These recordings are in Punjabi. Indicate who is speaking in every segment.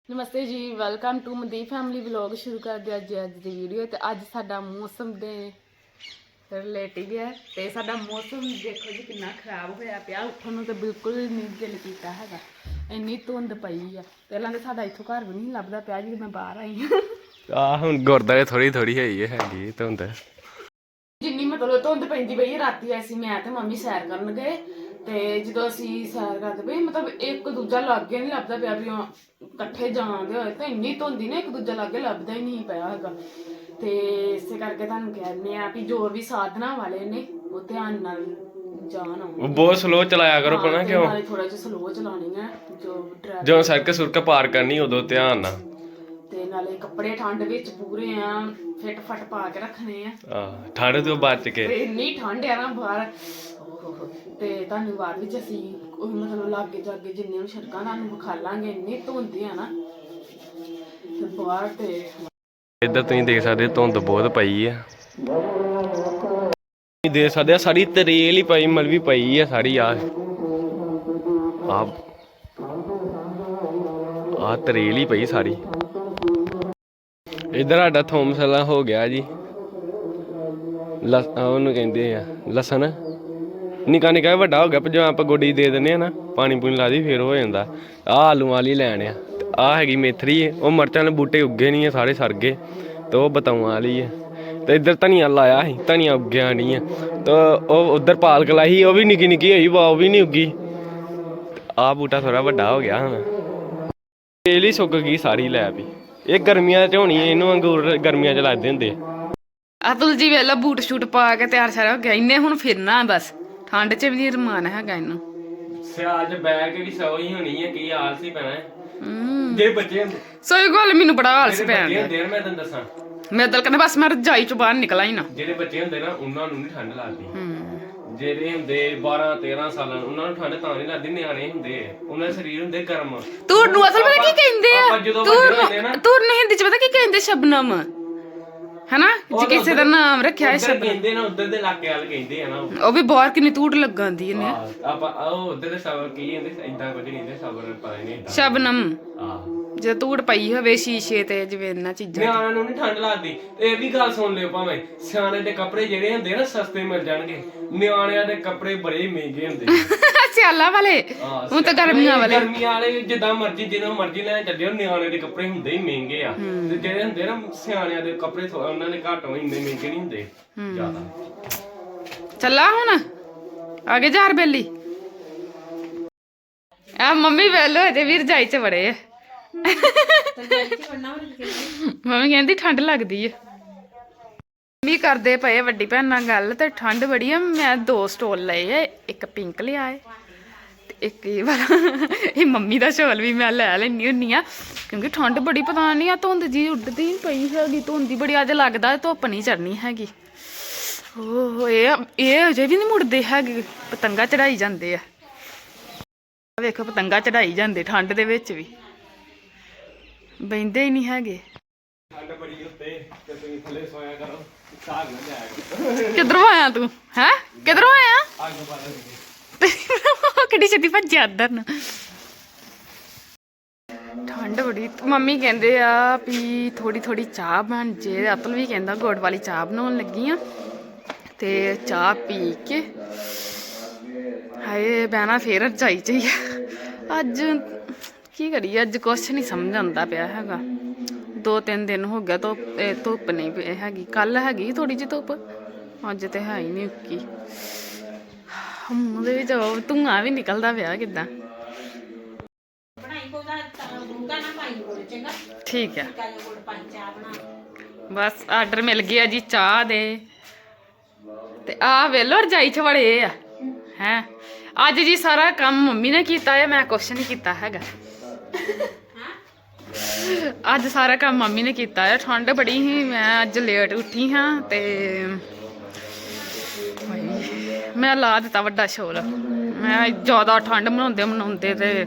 Speaker 1: नमस्ते जी, welcome to Mandeep family vlog. शुरू कर दिया अज की वीडियो। तो अज साडा मौसम के रिलेटिव है तो साडा मौसम देखो जी कितना खराब होया पिया। उठन तो बिल्कुल नहीं दिल किया है, इन्नी धुंध पई है। पहला तो साडा इत्थों घर भी नहीं लभदा पिया जी, मैं बाहर आई हाँ।
Speaker 2: हुण गुरद्वारे थोड़ी थोड़ी हैगी धुंध,
Speaker 1: जिन्नी मतलब धुंध पैंदी पई राती ऐसी मैं ते मम्मी सैर करन गए ते जो असी सैर करते पे मतलब एक दूजा लागे नहीं लभदा पिया भी कट्ठे जांदे होए ते इन्नी धुंधी ने एक दूजा लागे लभदा ही नहीं पिया हैगा। ते इसे करके तुहानूं कहने आ भी जो भी साधना वाले ने वो ध्यान नाल जान आउण।
Speaker 2: बहुत स्लो चलाया करो, पता क्यों?
Speaker 1: नाले थोड़ा जिहा स्लो चलानी है जो
Speaker 2: जो सड़क सुरक पार करनी उदों ध्यान नाल
Speaker 1: ते नाले कपड़े ठंड विच पूरे आ फिट फट पा के रखने आ।
Speaker 2: ठंड तो बच के
Speaker 1: इन्नी ठंड है ना बाहर ते तुहानूं बाद विच असीं मतलब लागे जागे जिन्ने भी सड़कां तुहानूं विखालांगे। इन्नी धुंध है ना ते बाहर ते
Speaker 2: इधर तुसीं देख सकदे धुंध बहुत पई है। देख सकदे सारी तरेल ही पई मलवी पई है सारी। आ तरेल ही पई सारी। इधर साडा थोमसला हो गया जी ਉਹਨੂੰ ਕਹਿੰਦੇ ਆ ਲਸਣ ਨਿੱਕਾ ਨਿੱਕਾ ਵੱਡਾ ਹੋ ਗਿਆ ਪਰ ਜਦੋਂ ਆਪਾਂ ਗੋਡੀ ਦੇ ਦਿੰਦੇ ਆ ਨਾ ਪਾਣੀ ਪੂਣੀ ਲਾ ਦੀ ਫਿਰ ਹੋ ਜਾਂਦਾ। ਆਹ ਆਲੂ ਵਾਲੀ ਲੈਣ ਆ, ਆਹ ਹੈਗੀ ਮੇਥਰੀ ਉਹ ਮਿਰਚਾਂ ਦੇ ਬੂਟੇ ਉੱਗੇ ਨਹੀਂ ਆ, ਸਾਰੇ ਸੜ ਗਏ ਤੇ ਉਹ ਬਤਾਊਆਂ ਵਾਲੀ ਆ। ਤੇ ਇੱਧਰ ਧਨੀਆ ਲਾਇਆ ਸੀ, ਧਨੀਆ ਉੱਗਿਆ ਨਹੀਂ ਆ। ਤੇ ਉਹ ਉੱਧਰ ਪਾਲਕ ਲਾਈ ਸੀ, ਉਹ ਵੀ ਨਿੱਕੀ ਨਿੱਕੀ ਹੋਈ ਵਾ, ਉਹ ਵੀ ਨਹੀਂ ਉੱਗੀ। ਆਹ ਬੂਟਾ ਥੋੜਾ ਵੱਡਾ ਹੋ ਗਿਆ ਹੁਣ, ਤੇਲ ਹੀ ਸੁੱਕ ਗਈ ਸਾਰੀ ਲੈ ਵੀ। ਇਹ ਗਰਮੀਆਂ 'ਚ ਹੋਣੀ, ਇਹਨੂੰ ਅੰਗੂਰ ਗਰਮੀਆਂ 'ਚ ਲੱਗਦੇ ਹੁੰਦੇ।
Speaker 1: ਅਤੁਲ ਜੀ ਵੇਲਾ ਬੂਟ ਸ਼ੂਟ ਪਾ ਕੇ ਤਿਆਰ ਸ਼ਿਆਰ ਹੋ ਗਿਆ। ਇਹਨੇ ਹੁਣ ਫਿਰਨਾ ਬਸ, ਠੰਡ 'ਚ ਵੀ ਨਹੀਂ ਰਮਾਨ ਹੈਗਾ ਇਹਨੂੰ।
Speaker 2: ਸਿਆਲ 'ਚ ਬੈਗ ਵੀ ਸੌ ਹੀ ਹੋਣੀ ਹੈ, ਕੀ ਆਲਸ ਹੀ ਪੈਣਾ ਜੇ ਬੱਚੇ ਹੁੰਦੇ।
Speaker 1: ਸਹੀ ਗੱਲ, ਮੈਨੂੰ ਬੜਾ ਆਲਸ ਪੈਣ
Speaker 2: ਡਿਆ। ਮੈਂ ਤੈਨੂੰ ਦੱਸਾਂ,
Speaker 1: ਮੈਂ ਦਿਲ ਕਹਿੰਦਾ ਬਸ ਮੈਂ ਰਜਾਈ 'ਚੋਂ ਬਾਹਰ ਨਿਕਲਾਂ ਹੀ ਨਾ।
Speaker 2: ਜਿਹੜੇ ਬੱਚੇ ਹੁੰਦੇ ਨਾ ਉਹਨਾਂ ਨੂੰ ਨਹੀਂ ਠੰਡ ਲੱਗਦੀ। ਜਿਹੜੇ ਹੁੰਦੇ 12-13 ਸਾਲਾਂ ਨੂੰ ਉਹਨਾਂ ਨੂੰ ਠੰਡ ਤਾਂ ਨਹੀਂ ਲੱਗਦੀ। ਨਿਆਣੇ ਹੁੰਦੇ ਉਹਨਾਂ ਦੇ ਸਰੀਰ ਹੁੰਦੇ ਗਰਮ।
Speaker 1: ਤੂਰ ਨੂੰ ਅਸਲ ਪਤਾ ਕੀ ਕਹਿੰਦੇ ਆ? ਤੂਰ ਨੂੰ ਹਿੰਦੀ 'ਚ ਪਤਾ ਕੀ ਕਹਿੰਦੇ? ਸ਼ਬਨਮ ਹਨਾ, ਜੇ ਕਿਸੇ ਦਾ ਨਾਮ ਰੱਖਿਆ ਹੈ ਸ਼ਬਨਮ
Speaker 2: ਕਹਿੰਦੇ ਨਾ, ਉਧਰ ਦੇ ਇਲਾਕੇ ਵਾਲ ਕਹਿੰਦੇ ਆ ਨਾ।
Speaker 1: ਉਹ ਵੀ ਬਾਹਰ ਕਿੰਨੀ ਤੂੜ ਲੱਗਾਂਦੀ ਇਹਨੇ।
Speaker 2: ਆਪਾਂ ਉਹ ਉਧਰ ਦੇ ਸਬਰ ਕੀ ਕਹਿੰਦੇ, ਇਦਾਂ ਕੁਝ ਨਹੀਂ ਕਹਿੰਦੇ, ਸਬਰ ਪਤਾ ਨਹੀਂ ਇਦਾਂ
Speaker 1: ਸ਼ਬਨਮ। ਜੇ ਤੂੜ ਪਈ ਹੋਵੇ ਸ਼ੀਸ਼ੇ ਤੇ ਜਿਵੇਂ ਇਹਨਾਂ ਚੀਜ਼ਾਂ।
Speaker 2: ਨਿਆਣਿਆਂ ਨੂੰ ਨਹੀਂ ਠੰਡ ਲੱਗਦੀ। ਇਹ ਵੀ ਗੱਲ ਸੁਣ ਲਿਓ, ਭਾਵੇਂ ਸਿਆਣੇ ਦੇ ਕੱਪੜੇ ਜਿਹੜੇ ਹੁੰਦੇ ਨਾ ਸਸਤੇ ਮਿਲ ਜਾਣਗੇ, ਨਿਆਣਿਆਂ ਦੇ ਕੱਪੜੇ ਬੜੇ ਮਹਿੰਗੇ ਹੁੰਦੇ।
Speaker 1: ਸਿਆਲਾਂ ਵਾਲੇ ਹੁਣ ਤਾਂ ਗਰਮੀਆਂ ਵਾਲੇ।
Speaker 2: ਗਰਮੀਆਂ ਵਾਲੇ ਜਿੱਦਾਂ ਮਰਜ਼ੀ ਜਿਹਨੂੰ ਮਰਜ਼ੀ ਲੈਣ ਚੱਲਿਓ, ਨਿਆਣੇ ਦੇ ਕੱਪੜੇ ਹੁੰਦੇ ਹੀ ਮਹਿੰਗੇ ਆ। ਤੇ ਜਿਹੜੇ ਹੁੰਦੇ ਨਾ ਸਿਆਣਿਆਂ ਦੇ ਕੱਪੜੇ ਉਹਨਾਂ ਦੇ ਘੱਟ ਇੰਨੇ ਮਹਿੰਗੇ ਨਹੀਂ ਹੁੰਦੇ ਜ਼ਿਆਦਾ।
Speaker 1: ਚੱਲਾ ਹੁਣ ਆਗੇ ਜਾ ਬੇਲੀ। ਆ ਮੰਮੀ ਵੇਲੋ ਤੇ ਵੀਰ ਜਾਈ ਚ ਬੜੇ ਆ। ਮੰਮੀ ਕਹਿੰਦੀ ਠੰਡ ਲੱਗਦੀ ਹੈ। ਮੰਮੀ ਕਰਦੇ ਪਏ ਵੱਡੀ ਭੈਣ ਨਾਲ ਗੱਲ ਤੇ ਠੰਡ ਬੜੀ ਆ। ਮੈਂ 2 ਸਟੋਲ ਲਏ ਆ, ਇੱਕ ਪਿੰਕ ਲਿਆ ਹੈ ਤੇ ਇੱਕ ਇਹ ਵਾਲਾ। ਇਹ ਮੰਮੀ ਦਾ ਸ਼ਾਲ ਵੀ ਮੈਂ ਲੈ ਲੈਣੀ ਹੁੰਨੀ ਆ ਕਿਉਂਕਿ ਠੰਡ ਬੜੀ। ਪਤਾ ਨਹੀਂ ਆ ਧੁੰਦ ਜੀ ਉੱਡਦੀ ਪਈ ਹੈਗੀ, ਧੁੰਦ ਹੀ ਬੜੀ। ਅੱਜ ਲੱਗਦਾ ਧੁੱਪ ਨਹੀਂ ਚੜਨੀ ਹੈਗੀ। ਓਹ ਇਹ ਅਜੇ ਵੀ ਨਹੀਂ ਮੁੜਦੇ ਹੈਗੇ, ਪਤੰਗਾ ਚੜਾਈ ਜਾਂਦੇ ਆ। ਵੇਖੋ ਪਤੰਗਾ ਚੜਾਈ ਜਾਂਦੇ ਠੰਡ ਦੇ ਵਿੱਚ ਵੀ, ਬਹਿੰਦੇ ਹੀ ਨਹੀਂ ਹੈਗੇ।
Speaker 2: ਠੰਡ ਬੜੀ ਉੱਤੇ ਤੇ ਤੁਸੀਂ ਥੱਲੇ ਸੋਇਆ ਕਰੋ, ਸਾਗ ਨਾ ਜਾਇਆ।
Speaker 1: ਕਿੱਧਰੋਂ ਆਇਆ ਤੂੰ? ਹੈ ਕਿੱਧਰੋਂ ਆਇਆ?
Speaker 2: ਅੱਗ ਬਾਲ
Speaker 1: ਕਿੱਡੀ ਛੇਤੀ ਭੱਜਿਆ ਅੰਦਰ ਨੂੰ। ਠੰਡ ਬੜੀ। ਮੰਮੀ ਕਹਿੰਦੇ ਆ ਵੀ ਥੋੜੀ ਥੋੜੀ ਚਾਹ ਬਣ ਜੇ। ਅਤੁਲ ਵੀ ਕਹਿੰਦਾ ਗੁੜ ਵਾਲੀ ਚਾਹ ਬਣਾਉਣ ਲੱਗੀ ਆ ਤੇ ਚਾਹ ਪੀ ਕੇ ਹਾਏ ਬਹਿਣਾ ਫੇਰ ਰਜਾਈ ਚ ਹੀ। ਅੱਜ ਕੀ ਕਰੀਏ, ਅੱਜ ਕੁਛ ਨਹੀਂ ਸਮਝ ਆਉਂਦਾ ਪਿਆ ਹੈਗਾ। 2-3 ਦਿਨ ਹੋ ਗਿਆ ਧੁੱਪ ਨਹੀਂ ਹੈਗੀ। ਕੱਲ ਹੈਗੀ ਥੋੜੀ ਜਿਹੀ ਧੁੱਪ, ਅੱਜ ਤੇ ਹੈ ਹੀ ਨਹੀਂ ਉੱਕੀ। ਉਹਦੇ ਵਿੱਚ ਧੂੰਆਂ ਵੀ ਨਿਕਲਦਾ ਪਿਆ ਕਿੱਦਾਂ। ਠੀਕ ਹੈ, ਬਸ ਆਰਡਰ ਮਿਲ ਗਿਆ ਜੀ ਚਾਹ ਦੇ। ਤੇ ਆਹ ਵੇਲੋ ਰਜਾਈ ਚ ਵੜੇ ਆ ਹੈ। ਅੱਜ ਜੀ ਸਾਰਾ ਕੰਮ ਮੰਮੀ ਨੇ ਕੀਤਾ ਹੈ, ਮੈਂ ਕੁਛ ਨਹੀਂ ਕੀਤਾ ਹੈਗਾ। ਅੱਜ ਸਾਰਾ ਕੰਮ ਮੰਮੀ ਨੇ ਕੀਤਾ ਹੈ। ਠੰਡ ਬੜੀ ਸੀ, ਮੈਂ ਅੱਜ ਲੇਟ ਉੱਠੀ ਹਾਂ ਤੇ ਮੈਂ ਲਾ ਦਿੱਤਾ ਵੱਡਾ ਸ਼ੋਲ। ਮੈਂ ਜ਼ਿਆਦਾ ਠੰਡ ਮਨਾਉਂਦੇ ਤੇ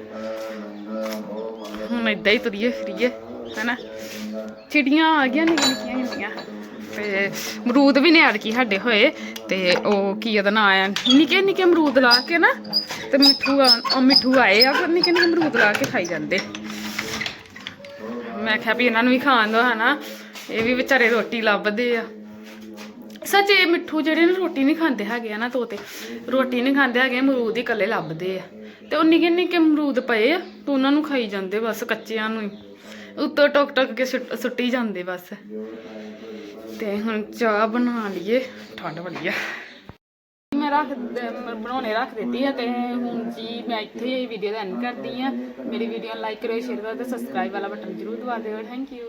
Speaker 1: ਹੁਣ ਏਦਾਂ ਹੀ ਤੁਰੀਏ ਫਿਰੀਏ ਹੈਨਾ। ਚਿੜੀਆਂ ਆ ਗਈਆਂ ਨਿੱਕੀਆਂ ਨਿੱਕੀਆਂ ਤੇ ਅਮਰੂਦ ਵੀ ਨੇ ਐਤਕੀ ਸਾਡੇ ਹੋਏ। ਤੇ ਉਹ ਕੀ ਉਹਦਾ ਨਾਂ ਆ, ਨਿੱਕੇ ਨਿੱਕੇ ਅਮਰੂਦ ਲਾ ਕੇ ਨਾ ਤੇ ਮਿੱਠੂ ਆਏ ਆ, ਫਿਰ ਨਿੱਕੇ ਨਿੱਕੇ ਅਮਰੂਦ ਲਾ ਕੇ ਖਾਈ ਜਾਂਦੇ। ਮੈਂ ਕਿਹਾ ਵੀ ਇਹਨਾਂ ਨੂੰ ਵੀ ਖਾਣ ਦੋ ਹਨਾ, ਇਹ ਵੀ ਵਿਚਾਰੇ ਰੋਟੀ ਲੱਭਦੇ ਆ। ਸੱਚ ਇਹ ਮਿੱਠੂ ਜਿਹੜੇ ਨਾ ਰੋਟੀ ਨਹੀਂ ਖਾਂਦੇ ਹੈਗੇ ਆ ਨਾ, ਤੋਤੇ ਰੋਟੀ ਨਹੀਂ ਖਾਂਦੇ ਹੈਗੇ, ਅਮਰੂਦ ਹੀ ਇਕੱਲੇ ਲੱਭਦੇ ਆ। ਤੇ ਉਹ ਨਿੱਕੇ ਨਿੱਕੇ ਅਮਰੂਦ ਪਏ ਆ ਤੇ ਉਹਨਾਂ ਨੂੰ ਖਾਈ ਜਾਂਦੇ ਬਸ, ਕੱਚਿਆਂ ਨੂੰ ਹੀ ਉੱਤੋਂ ਟੁੱਕ ਟੁੱਕ ਕੇ ਸੁੱਟੀ ਜਾਂਦੇ ਬਸ। ਤੇ ਹੁਣ ਚਾਹ ਬਣਾ ਲਈਏ, ਠੰਡ ਬੜੀ ਆ। ਮੈਂ ਬਣਾਉਣੇ ਰੱਖ ਦਿੱਤੀ ਆ। ਤੇ ਹੁਣ ਜੀ ਮੈਂ ਇੱਥੇ ਵੀਡੀਓ ਦਾ ਐਂਡ ਕਰਦੀ ਆ। ਮੇਰੀ ਵੀਡੀਓ ਨੂੰ ਲਾਈਕ ਕਰਿਓ, ਸ਼ੇਅਰ ਕਰੋ ਤੇ ਸਬਸਕ੍ਰਾਈਬ ਵਾਲਾ ਬਟਨ ਜ਼ਰੂਰ ਦਬਾ ਦਿਓ। Thank you.